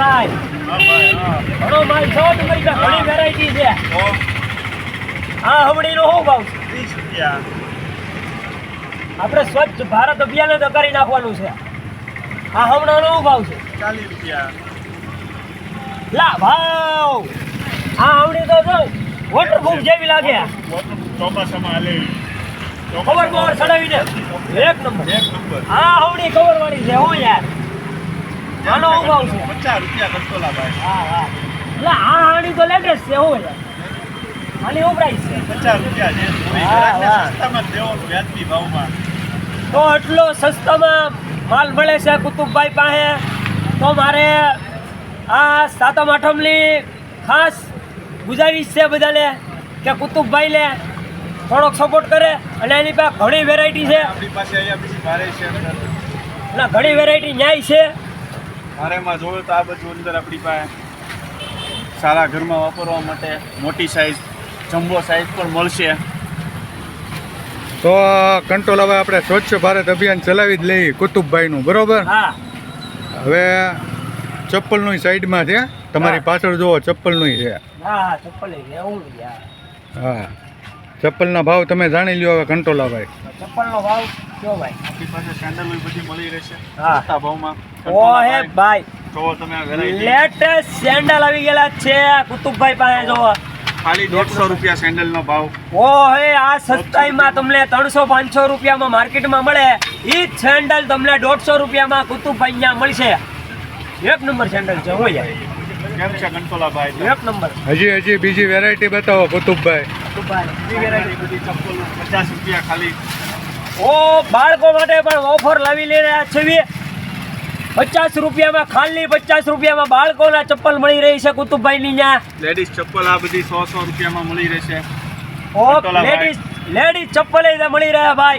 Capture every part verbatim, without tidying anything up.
ભાઈ ઘણો માલ છો તમારી પાસે ઘણી વેરાયટી છે હા હમણીનો શું ભાવ છે ત્રીસ રૂપિયા આપણે સ્વચ્છ ભારત અભિયાન જ કરી નાખવાનું છે આ હમણાંનો શું ભાવ છે ચાલીસ રૂપિયા લા ભાવ આ હમણી તો જો વોટરપ્રૂફ જેવી લાગે ચોમાસામાં હાલે કવર કવર ચડાવીને એક નંબર એક નંબર આ હવડી કવર વાળી છે હો યાર આનો શું ભાવ છે પચાસ રૂપિયા કંટોલા ભાઈ હા હા એટલે આ હાડી તો લેટેસ્ટ છે હો યાર આની શું પ્રાઇસ છે પચાસ રૂપિયા છે હા, હા. સસ્તામાં જ દેવાનું વ્યાજબી ભાવમાં તો એટલો સસ્તામાં માલ મળે છે કુતુબભાઈ પાસે તો મારે આ સાતમ આઠમની ખાસ ગુજારિશ છે બધાને કે કુતુબભાઈ લે થોડોક સપોર્ટ કરે અને એની પાસે ઘણી વેરાયટી છે આપણી પાસે અહીંયા બીજી ભારે છે અંદર એટલે ઘણી વેરાયટી ન્યાય છે ભારેમાં જોયો તો આ બધું અંદર આપણી પાસે સારા ઘરમાં વાપરવા માટે મોટી સાઈઝ જમ્બો સાઈઝ પણ મળશે. તો કંટ્રોલ હવે આપણે સ્વચ્છ ભારત અભિયાન ચલાવી જ લઈએ કુતુબભાઈનું બરોબર. હા હવે ચપ્પલનું સાઈડમાં છે તમારી હા. પાછળ જુઓ ચપ્પલનું છે. હા હા ચપ્પલ એવું યાર હા ચપ્પલના ભાવ તમે જાણી લ્યો હવે કંટ્રોલાભાઈ. ચપ્પલનો ભાવ કયો ભાઈ આપણી પાસે સેન્ડલ બધી મળી રહેશે હા. સસ્તા ભાવમાં. ઓહે ભાઈ જોવો તમે આ વેરાયટી લેટેસ્ટ સેન્ડલ આવી ગયેલા છે કુતુબભાઈ પાસે જોવો ખાલી દોઢસો રૂપિયા સેન્ડલનો ભાવ. ઓહે આ સસ્તાઈમાં તમને ત્રણસો પાંચસો રૂપિયામાં માર્કેટમાં મળે એ જ સેન્ડલ તમને દોઢસો રૂપિયામાં કુતુબભાઈ અહીંયા મળશે. એક નંબર સેન્ડલ છે હોય કેમ છે કંટોલા ભાઈ? એક નંબર હજી હજી બીજી વેરાયટી બતાવો કુતુબભાઈ. કુતુબભાઈ બધી ચપ્પલ પચાસ રૂપિયા ખાલી. ઓ બાળકો માટે પણ ઓફર લાવી લઈ રહ્યા છે. પચાસ રૂપિયામાં ખાલી પચાસ રૂપિયામાં બાળકોના ચપ્પલ મળી રહી છે કુતુબભાઈની ત્યાં. લેડીઝ ચપ્પલ આ બધી સો સો રૂપિયામાં મળી રહેશે. ઓ કંટોલાભાઈ. લેડીઝ લેડીઝ ચપ્પલ એ મળી રહ્યા ભાઈ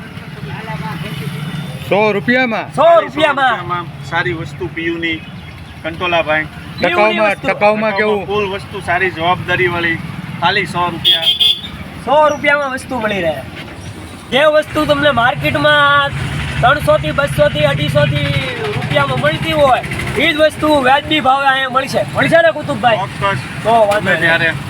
સો રૂપિયામાં સો રૂપિયામાં. સારી વસ્તુ પીયુની કંટોલા ભાઈ. ટકાઉમાં વસ્તુ. ટકાઉમાં કેવું ફૂલ વસ્તુ સારી જવાબદારી વાળી ખાલી સો રૂપિયા. સો રૂપિયામાં વસ્તુ મળી રહે. જે વસ્તુ તમને માર્કેટમાં ત્રણસો થી બસો થી અઢીસો થી રૂપિયામાં મળતી હોય એ જ વસ્તુ વ્યાજબી ભાવે અહીંયા મળશે મળશે ને કુતુબભાઈ? ચોક્કસ તો વાંધો તમે નહીં. ત્યારે